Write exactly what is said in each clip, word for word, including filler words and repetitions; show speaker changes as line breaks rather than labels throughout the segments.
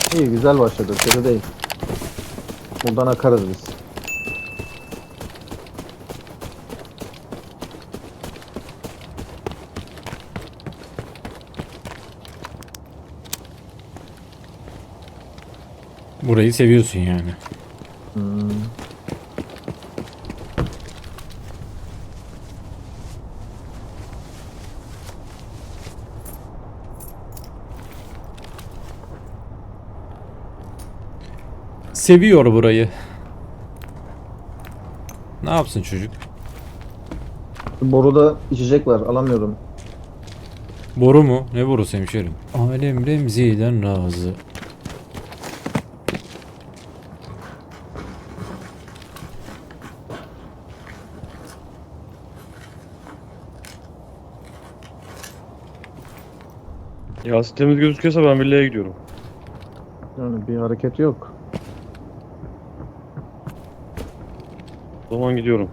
İyi, güzel başladı. Kötü değil. Buradan akarız biz.
Burayı seviyorsun yani.
Hmm.
Seviyor burayı. Ne yapsın çocuk?
Boruda içecek var. Alamıyorum.
Boru mu? Ne borusu hemşerim? Alem Remzi'den razı.
Yasin temiz gözüküyorsa ben villaya gidiyorum.
Yani bir hareket yok.
O zaman gidiyorum.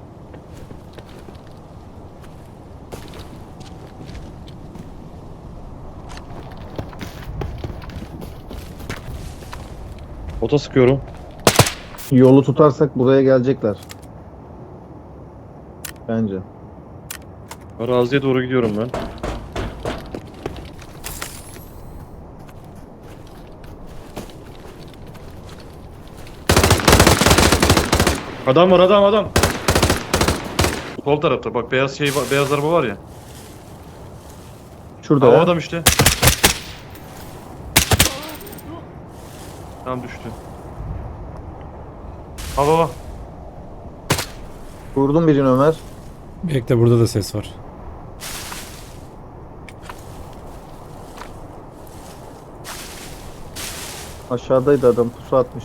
Ota sıkıyorum.
Yolu tutarsak buraya gelecekler. Bence.
Araziye doğru gidiyorum ben. Adam var, adam adam. Sol tarafta bak, beyaz şey var, beyaz araba var ya.
Şurada
Ha, o
ya.
adam işte. Tam düştü. Ha baba.
Vurdum birini Ömer.
Bekle, burada da ses var.
Aşağıdaydı adam. Pusu atmış.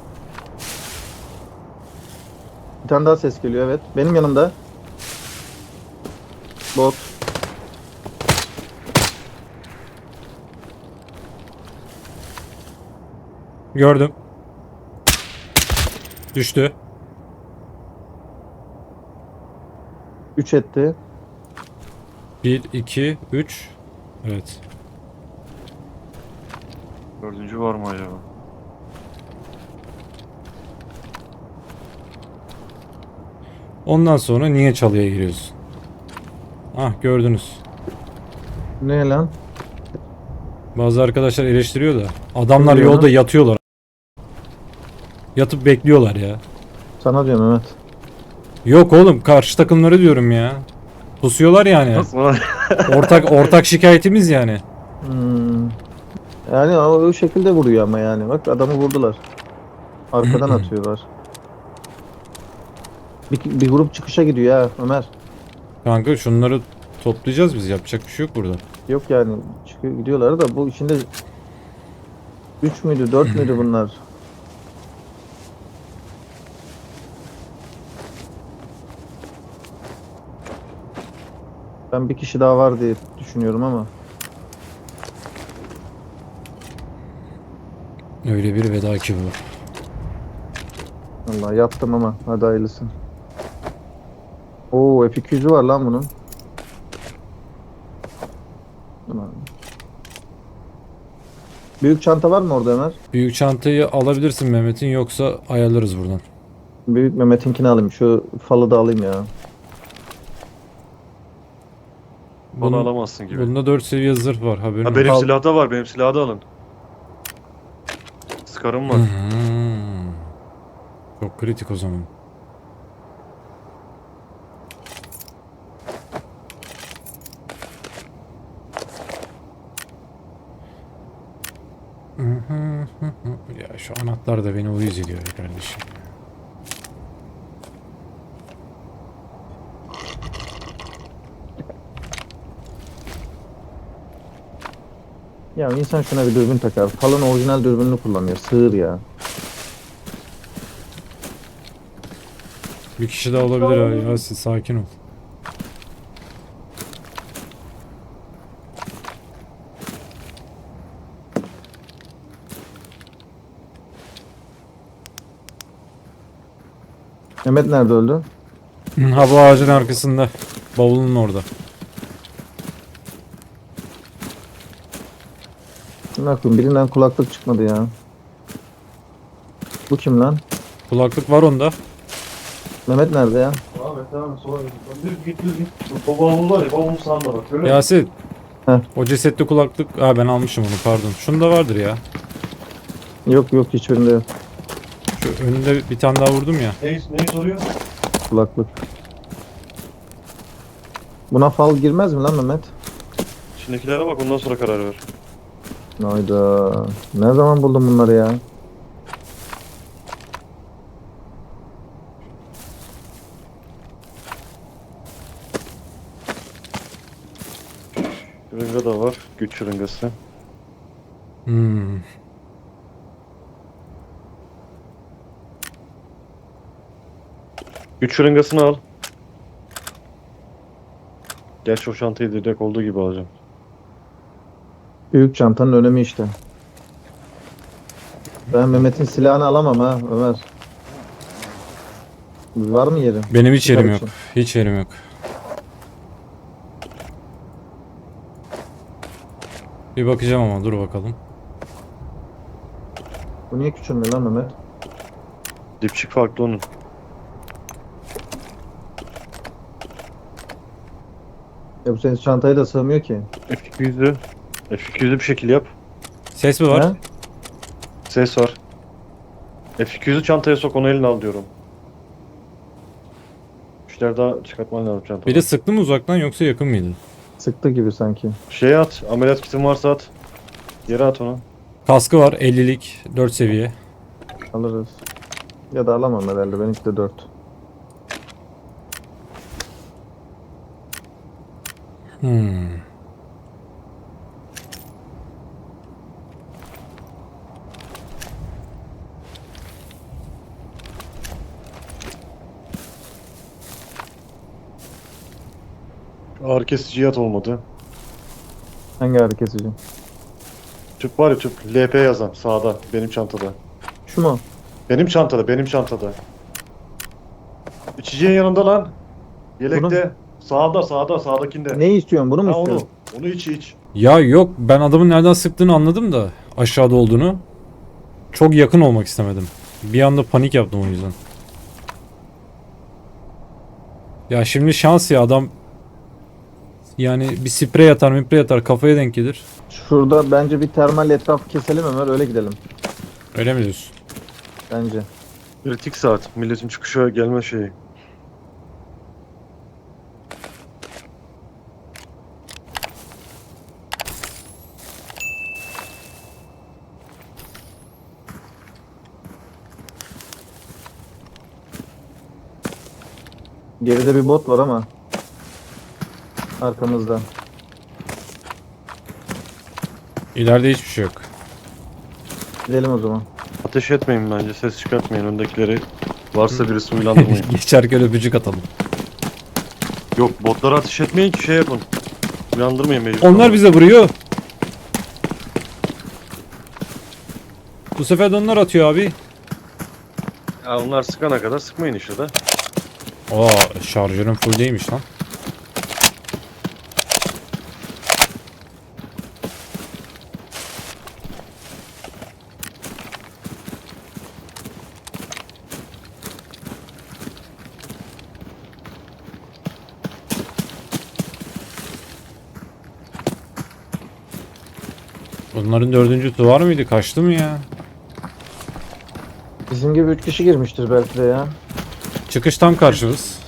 Bir tane daha ses geliyor, evet. Benim yanımda. Bot.
Gördüm. Düştü.
üç etti.
bir, iki, üç. Evet.
Dördüncü var mı acaba?
Ondan sonra niye çalıya giriyorsun? Ah, gördünüz.
Ne lan?
Bazı arkadaşlar eleştiriyor da adamlar
Ne diyor
yolda
lan?
yatıyorlar. Yatıp bekliyorlar ya.
Sana diyorum Mehmet.
Yok oğlum, karşı takımları diyorum ya. Pusuyorlar yani.
Nasıl lan?
Ortak ortak şikayetimiz yani.
Hmm. Yani o, o şekilde vuruyor ama yani. Bak adamı vurdular. Arkadan atıyorlar. Bir, bir grup çıkışa gidiyor ha Ömer.
Kanka şunları toplayacağız biz. Yapacak bir şey yok burada.
Yok yani çıkıyor gidiyorlar da bu içinde üç müydü dört müydü bunlar? Ben bir kişi daha var diye düşünüyorum ama.
Öyle bir veda ki bu.
Vallahi yaptım ama hadi hayırlısı. Oo F iki yüzü var lan bunun. Tamam. Büyük çanta var mı orada Ömer?
Büyük çantayı alabilirsin Mehmet'in, yoksa ayarlarız buradan.
Büyük Mehmet'inkini alayım. Şu falı da alayım ya.
Bunu
Bunun,
alamazsın gibi.
bunda dört seviye zırh var, haberin
Ha,
olsun.
benim
Al.
silahda var, benim silahı da alın. Sıkarım var.
Hmm. Çok kritik o zaman. Ya şu anahtar da beni uyuz ediyor ya kardeşim.
Ya insan şuna bir dürbün takar. Falın orijinal dürbününü kullanıyor. Sığır ya.
Bir kişi daha olabilir ha, Yasin, sakin ol.
Mehmet nerede öldü?
Ha, bu ağacın arkasında. Bavulun orada.
Ne yapayım? Birinden kulaklık çıkmadı ya. Bu kim lan?
Kulaklık var onda.
Mehmet nerede ya?
Abi tamam sola git. Düz git düz git. Bu babamız var ya babamın sağında bak. Görüyor musun?
Yasin.
Heh.
O cesetli kulaklık. Aa ben almışım onu pardon. Şunda vardır ya.
Yok yok, hiçbirinde yok
Şu önünde bir tane daha vurdum ya.
Neyi, neyi soruyor?
kulaklık. Buna fal girmez mi lan Mehmet?
İçindekilere bak ondan sonra karar ver.
Hayda. Ne zaman buldun bunları ya?
Şırınga da var. Güç şırıngası.
Hmm.
Güç şırıngasını al. Gerçi o çantayı direkt olduğu gibi alacağım.
Büyük çantanın önemi işte. Ben Mehmet'in silahını alamam ha Ömer. Var mı yeri?
Benim hiç yerim yok.
için.
Hiç yerim yok. Bir bakacağım ama dur bakalım.
Bu niye küçülmüyor lan Mehmet?
Dipçik farklı onun.
Ya bu senin çantaya da sığmıyor ki.
F iki yüz'ü F iki yüz'ü bir şekil yap.
Ses mi var?
Ha?
Ses var. F iki yüz'ü çantaya sok onu eline al diyorum. İşler daha çıkartman lazım çantadan.
Biri sıktı mı uzaktan yoksa yakın mıydı?
Sıktı gibi sanki.
Şeye at. Ameliyat kitin varsa at. Yere at onu.
Kaskı var ellilik dört seviye.
Alırız. Ya da alamam herhalde. Benimki de dört.
Hmm.
Ağrı kesici at olmadı.
Hangi ağrı kesici?
Tüp var ya tüp. L P yazan sağda. Benim çantada.
Şu mu?
Benim çantada. Benim çantada. İçeceğin yanında lan. Yelekte. Sağda sağda sağdakinde.
Ne istiyorsun? Bunu mu
Ha onu.
istiyorsun?
Onu iç iç.
Ya yok ben adamın nereden sıktığını anladım da aşağıda olduğunu. Çok yakın olmak istemedim. Bir anda panik yaptım o yüzden. Ya şimdi şans ya adam yani bir sprey atar miprey atar kafaya denk gelir.
Şurada bence bir termal etrafı keselim Ömer, öyle gidelim.
Öyle mi diyorsun?
Bence.
Kritik saat. Milletin çıkışa gelme şeyi.
Geride bir bot var ama. Arkamızda.
İleride hiçbir şey yok.
Gidelim o zaman.
Ateş etmeyin bence. Ses çıkartmayın. Öndekileri varsa birisi uyandırmayın.
Geçerken öpücük atalım.
Yok botlara ateş etmeyin ki şey yapın. Uyandırmayın mecbur.
Onlar bize vuruyor. Bu sefer de onlar atıyor abi.
Ya onlar sıkana kadar sıkmayın işte de.
Aa şarjörüm full değilmiş lan. Bunların dördüncüsü var mıydı? Kaçtı mı ya?
Bizim gibi üç kişi girmiştir belki de ya.
Çıkış tam karşımız.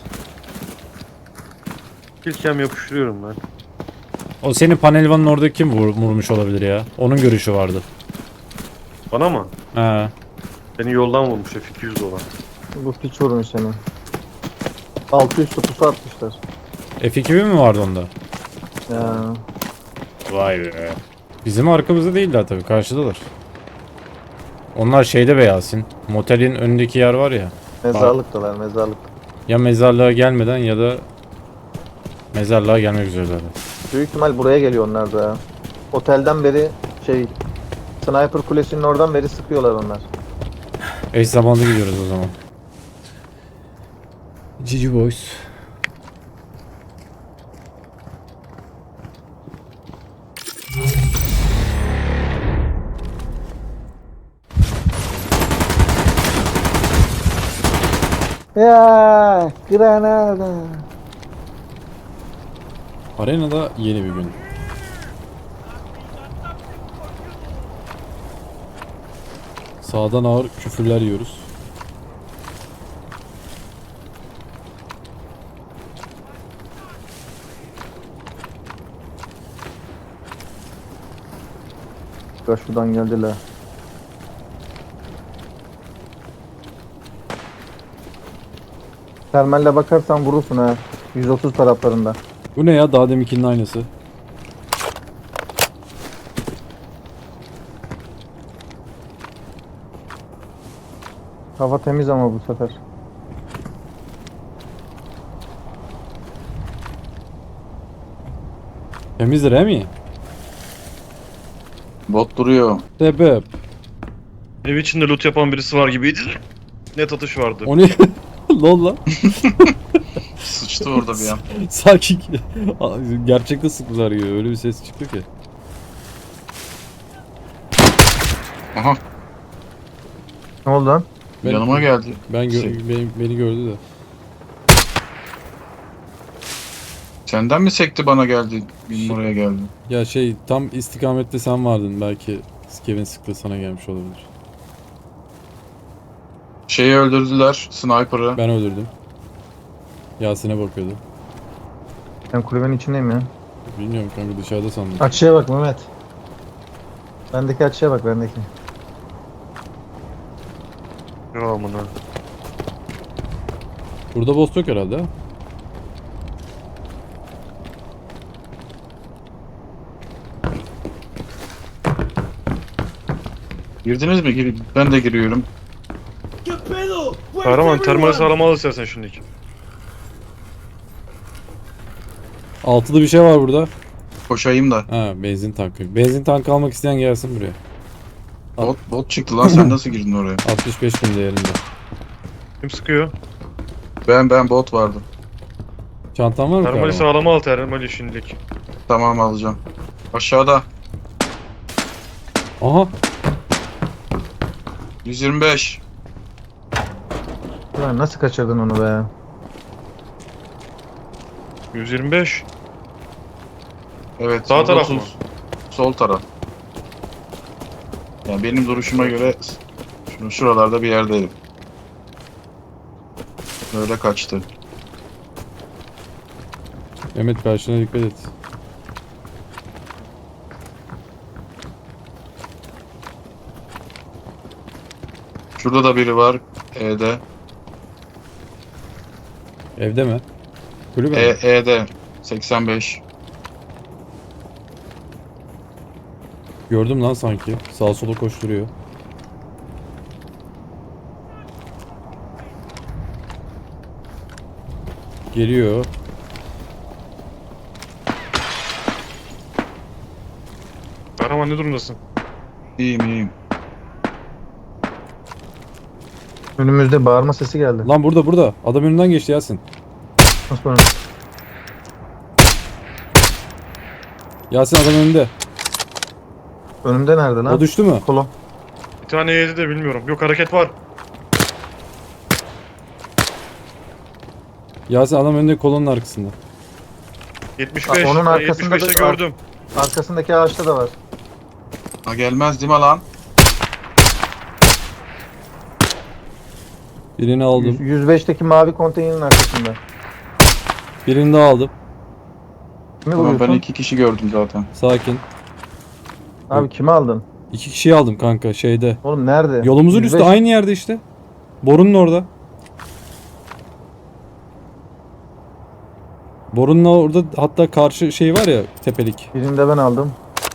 İlkem yapıştırıyorum ben.
O senin panelvanın orada kim vur, vurmuş olabilir ya? Onun görüşü vardı.
Bana mı?
He.
Beni yoldan vurmuş F iki yüz dolar.
Bu piç vurmuş seni. altı yüz pusu atmışlar.
F iki bin mi vardı onda?
Ya.
Vay be. Bizim arkamızda değiller tabii karşıdalar. Onlar şeyde be Yasin. Motelin önündeki yer var ya.
Mezarlıktalar, mezarlık.
Ya mezarlığa gelmeden ya da mezarlığa gelmek üzereler.
Büyük ihtimal buraya geliyor onlar da ya. Otelden beri şey, Sniper kulesinin oradan beri sıkıyorlar onlar.
Eş zamanlı gidiyoruz o zaman. Cici Boys.
Ya Granada.
Arenada yeni bir gün. Sağdan ağır küfürler yiyoruz.
Ya şuradan geldiler. Termalle bakarsan vurursun ha. yüz otuz taraflarında.
Bu ne ya? Daha deminkinin aynısı.
Hava temiz ama bu sefer.
Temizdir he mi?
Bot duruyor.
Sebep.
Ev içinde loot yapan birisi var gibiydi. Net atış vardı.
O ne? Lol lan.
Sıçtı orada bir an.
Sanki gerçekte sıktılar gibi. Öyle bir ses çıktı ki.
Aha
Ne oldu lan?
Ben,
yanıma geldi.
Ben gö-
Şey-
beni, beni gördü de.
Senden mi sekti bana geldi? Benim oraya geldi.
Ya şey tam istikamette sen vardın. Belki Kevin sıktı sana gelmiş olabilir.
Şeyi öldürdüler. Sniper'ı.
Ben öldürdüm. Yasin'e bakıyordu.
Ben kulübenin içindeyim ya.
Bilmiyorum kanka dışarıda sandım.
Açıya bak Mehmet. Bendeki açıya bak bendeki.
Ya amına.
Burada boss yok herhalde. ha?
Girdiniz mi? Gir- Ben de giriyorum.
Kahraman termali sağlam al istersen şimdiki.
Altılı bir şey var burada.
Koşayım da.
Ha benzin tankı. Benzin tankı almak isteyen gelsin buraya.
Bot, bot çıktı lan. Sen nasıl girdin oraya?
altmış beş bin değerinde.
Kim sıkıyor?
Ben ben bot vardı.
Çantan var mı
Termali
kahraman?
sağlam al termali şimdilik.
Tamam alacağım. Aşağıda.
Aha.
yüz yirmi beş.
Ulan nasıl kaçırdın onu be?
yüz yirmi beş.
Evet.
Sağ taraf mı?
yüz otuz. Sol taraf. Yani benim duruşuma göre şunu şuralarda bir yerdeydim. Böyle kaçtı.
Mehmet karşına dikkat et.
Şurada da biri var. E'de.
Evde mi? Kulübe
E,
mi?
E'de. seksen beş.
Gördüm lan sanki. Sağa sola koşturuyor. Geliyor.
Kahraman ne durumdasın?
İyiyim iyiyim.
Önümüzde bağırma sesi geldi.
Lan burada burada. Adam önünden geçti Yasin.
Nasıl böyle?
Yasin adam önünde.
Önümde nerede lan?
O düştü mü?
Kolon.
Bir tane yedi de bilmiyorum. Yok hareket var.
Yasin adam önünde kolonun arkasında.
yetmiş beş.
Aa, onun
Ben
arkasında
yetmiş beşte
da-
gördüm.
Arkasındaki ağaçta da var.
Ha gelmez değil mi lan?
Birini
Yüz-
aldım.
yüz beşteki mavi konteynerin arkasında.
Birini daha aldım.
Kimi
Tamam ben
vuruyorsun?
iki kişi gördüm zaten.
Sakin.
Abi kimi aldın?
İki kişiyi aldım kanka şeyde.
Oğlum nerede?
Yolumuzun
yüz
üstü
beş
aynı yerde işte. Borunun orada. Borunun orada hatta karşı şey var ya tepelik.
Birini de ben aldım.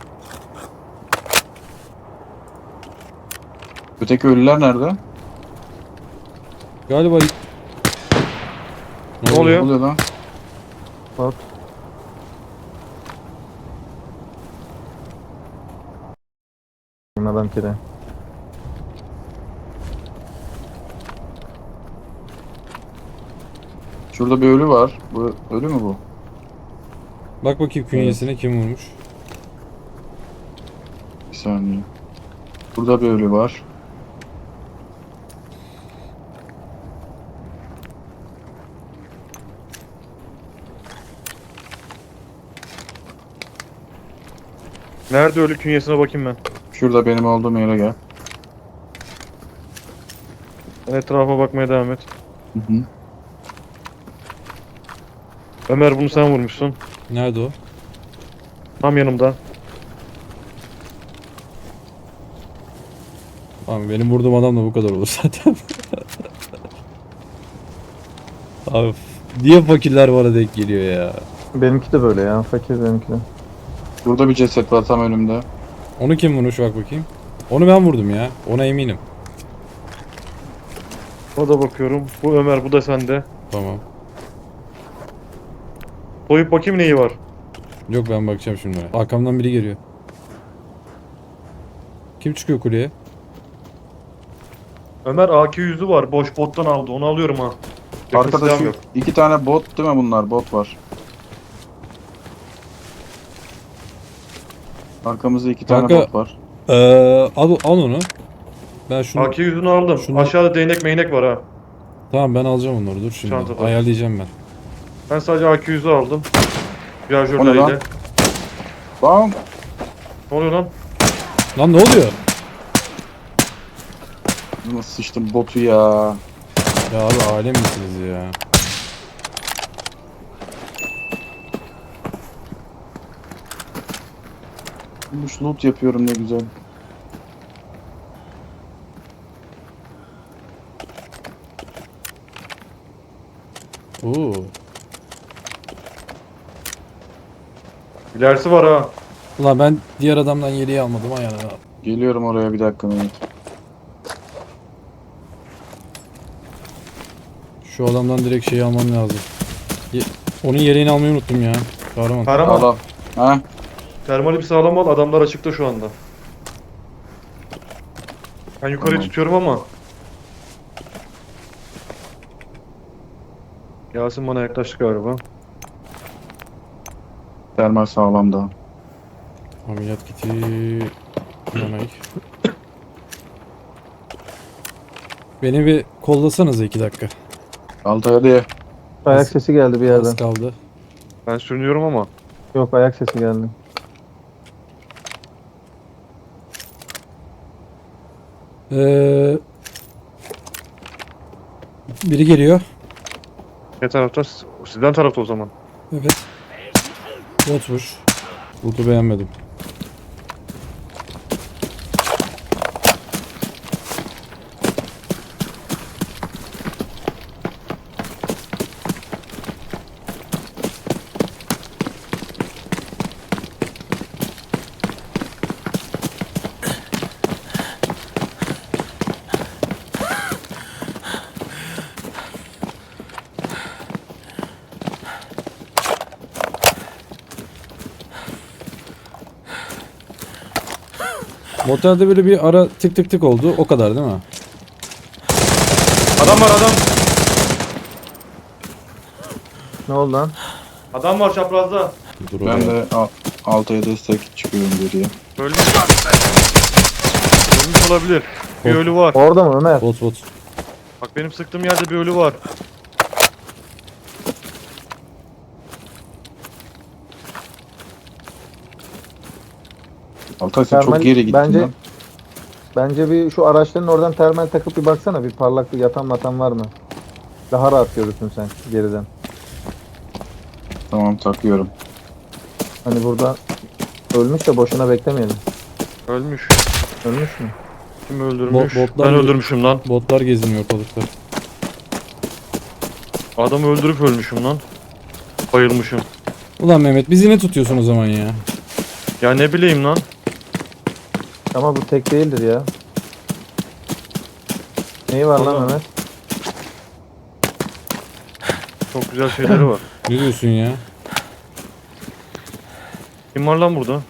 Öteki ölüler nerede?
Galiba
Ne oluyor?
Ne oluyor lan?
Bot. Adam kire.
Şurada bir ölü var. Bu ölü mü bu?
Bak bakayım künyesine kim vurmuş.
Bir saniye. Burada bir ölü var.
Nerede ölü künyesine bakayım ben.
Şurada benim olduğum yere gel.
Sen etrafa bakmaya devam et.
Hı hı.
Ömer bunu sen vurmuşsun.
Nerede o?
Tam yanımda.
Abi benim vurduğum adam da bu kadar olur zaten. Abi niye fakirler bana denk geliyor ya?
Benimki de böyle ya. Fakir benimki de.
Burada bir ceset var tam önümde.
Onu kim vurmuş bak bakayım. Onu ben vurdum ya. Ona eminim.
O da bakıyorum. Bu Ömer, bu da sende.
Tamam.
Soyup bakayım neyi var.
Yok ben bakacağım şimdi. Arkamdan biri geliyor. Kim çıkıyor kuleye?
Ömer A K yüzü var. Boş bottan aldı. Onu alıyorum ha. Yakın
Arkada
silahım
şu
yok.
iki tane bot değil mi bunlar? Bot var. Arkamızda iki tane
Kanka-
bot var.
Ee, al, al onu. Ben şunu...
A K yüzünü aldım.
şunu-
Aşağıda değnek meynek var ha.
Tamam ben alacağım onları dur şimdi.
Çantada.
Ayarlayacağım ben.
Ben sadece A K yüzü aldım.
O ne lan?
Şarjörleriyle.
Bam!
Ne oluyor lan?
Lan ne oluyor?
Nasıl sıçtım botu ya.
Ya abi alem misiniz ya?
Bulmuş loot yapıyorum ne güzel.
Oo.
İlerisi var ha.
Ulan ben diğer adamdan yeleği almadım ayağına.
Geliyorum oraya bir dakika Mehmet.
Şu adamdan direkt şeyi almam lazım. Ye- Onun yeleğini almayı unuttum ya. Kahraman.
Kahraman.
Al al. Ha?
Termali bir sağlam al. Adamlar açıkta şu anda. Ben yukarıyı
Tamam.
tutuyorum ama. Yasin bana yaklaştı galiba.
Termal sağlam da.
Ameliyat kiti. Yanay. Beni bir kollasanıza iki dakika.
Altay hadi.
Ayak sesi geldi bir yerden.
Az kaldı.
Ben sürünüyorum ama.
Yok, ayak sesi geldi.
Ee, biri geliyor.
Ne tarafta? Sizden tarafta o zaman.
Evet. Botmuş. Botu beğenmedim. Motelde böyle bir ara tık tık tık oldu. O kadar değil mi?
Adam var adam.
Ne oldu lan?
Adam var çaprazda.
Dur
Ben
oraya.
de Al- Altay'a destek çıkıyorum geriye.
Ölmüş. Ölmüş olabilir. Bir
Bot.
ölü var.
Orada mı Ömer?
Bot bot.
Bak benim sıktığım yerde bir ölü var.
Altay sen
Termal-
çok geri gittin
bence-
lan.
Bence bir şu araçların oradan termal takıp bir baksana, bir parlaklık yatan matan var mı? Daha rahat görürsün sen geriden.
Tamam takıyorum.
Hani burada ölmüş de boşuna beklemeyelim.
Ölmüş.
Ölmüş mü?
Kim öldürmüş?
Bo- botlar
ben
mı?
öldürmüşüm lan.
Botlar geziniyor ortalıkta.
Adamı öldürüp ölmüşüm lan. Bayılmışım.
Ulan Mehmet bizi ne tutuyorsun o zaman ya?
Ya ne bileyim lan.
Ama bu tek değildir ya. Neyi var lan
Vallahi-
Mehmet?
Çok güzel şeyleri var.
Ne diyorsun ya?
Kim var lan burada?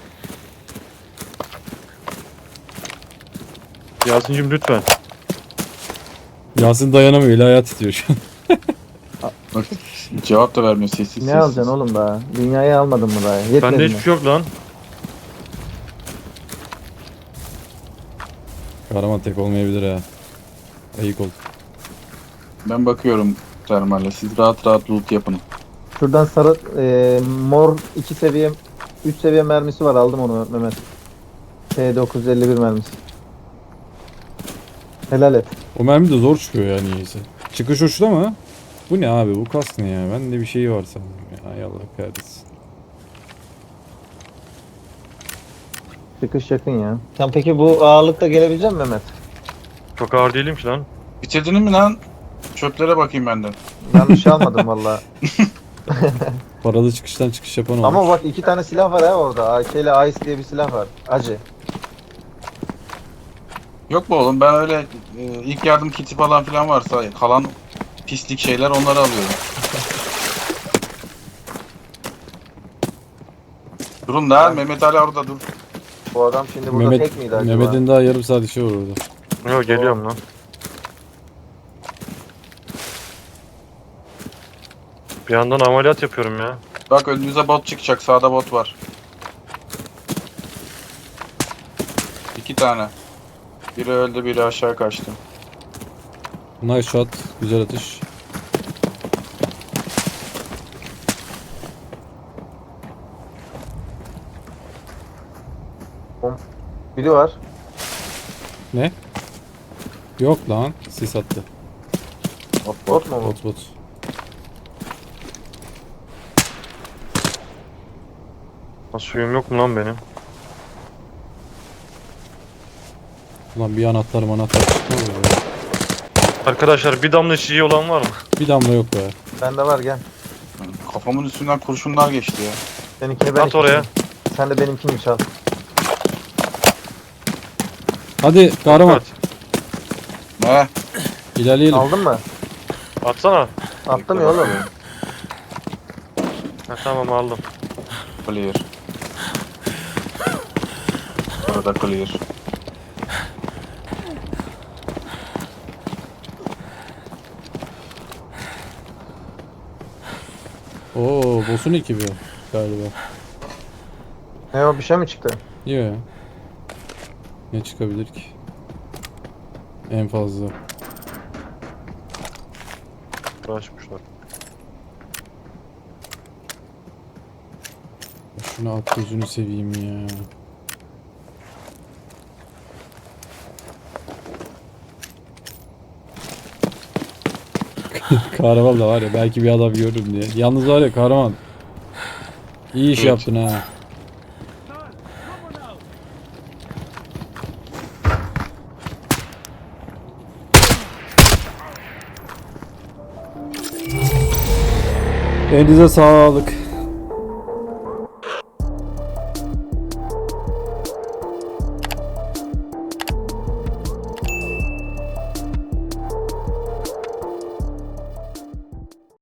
Yasin'cim lütfen.
Yasin dayanamıyor. Eli ayağı titriyor şu an.
Bak cevap da vermiyor sessiz
Ne
sessiz.
alacaksın oğlum daha? Dünyayı almadın mı daha? Yetmedi
Bende
mi?
hiçbir şey yok lan.
Kahraman tek olmayabilir ha. Ayık ol.
Ben bakıyorum termalle. Siz rahat rahat loot yapın.
Şuradan sarı, e, mor iki seviye üç seviye mermisi var, aldım onu Mehmet. T dokuz yüz elli bir mermisi. Helal et.
O mermi de zor çıkıyor ya niyeyse. Çıkış uçta mı? Bu ne abi? Bu kas ne ya? Ben de bir şey var sandım ya. Ay Allah kahretsin.
Çıkış yakın ya. Sen peki bu ağırlıkta gelebilecek misin Mehmet?
Çok ağır değilim ki lan.
Bitirdin mi lan? Çöplere bakayım ben de.
Yanlış şey almadım valla.
Paralı çıkıştan çıkış yapan olmuş.
Ama bak iki tane silah var ha orada. A K ile Ice diye bir silah var. Acı.
Yok mu oğlum, ben öyle e, ilk yardım kiti falan filan varsa kalan pislik şeyler, onları alıyorum. Durun da Mehmet Ali orada dur.
Bu adam şimdi burada
Mehmet,
tek miydi acaba?
Mehmet'in daha yarım saat işi var orada.
Yok geliyorum lan. Bir yandan ameliyat yapıyorum ya.
Bak önünüze bot çıkacak, sağda bot var. İki tane. Biri öldü, biri aşağı kaçtı.
Nice shot. Güzel atış.
Biri var.
Ne? Yok lan. Sis attı.
Bot, bot mu bu?
Bot bot.
Lan suyum yok mu lan benim?
Ulan bir anahtar manahtar çıkmıyor ya.
Arkadaşlar bir damla şişi olan var mı?
Bir damla yok be.
Bende var, gel.
Kafamın üstünden kurşunlar geçti ya.
Seninkini ben
At oraya.
içeyim. Sen de benimkini çal.
Hadi kahraman.
At.
Ne?
İlerleyelim.
Aldın mı?
Atsana.
Attım ya oğlum.
Ha, tamam aldım.
Clear. Burada clear.
Oo, boss'un ekibi galiba.
Ne o, bir şey mi çıktı?
Yok. Ne çıkabilir ki? En fazla.
Uğraşmışlar.
Şunu at gözünü seveyim ya. Kahraman da var ya, belki bir adam görürüm diye. Yalnız var ya kahraman. İyi iş
Evet.
yaptın ha. Elinize sağlık.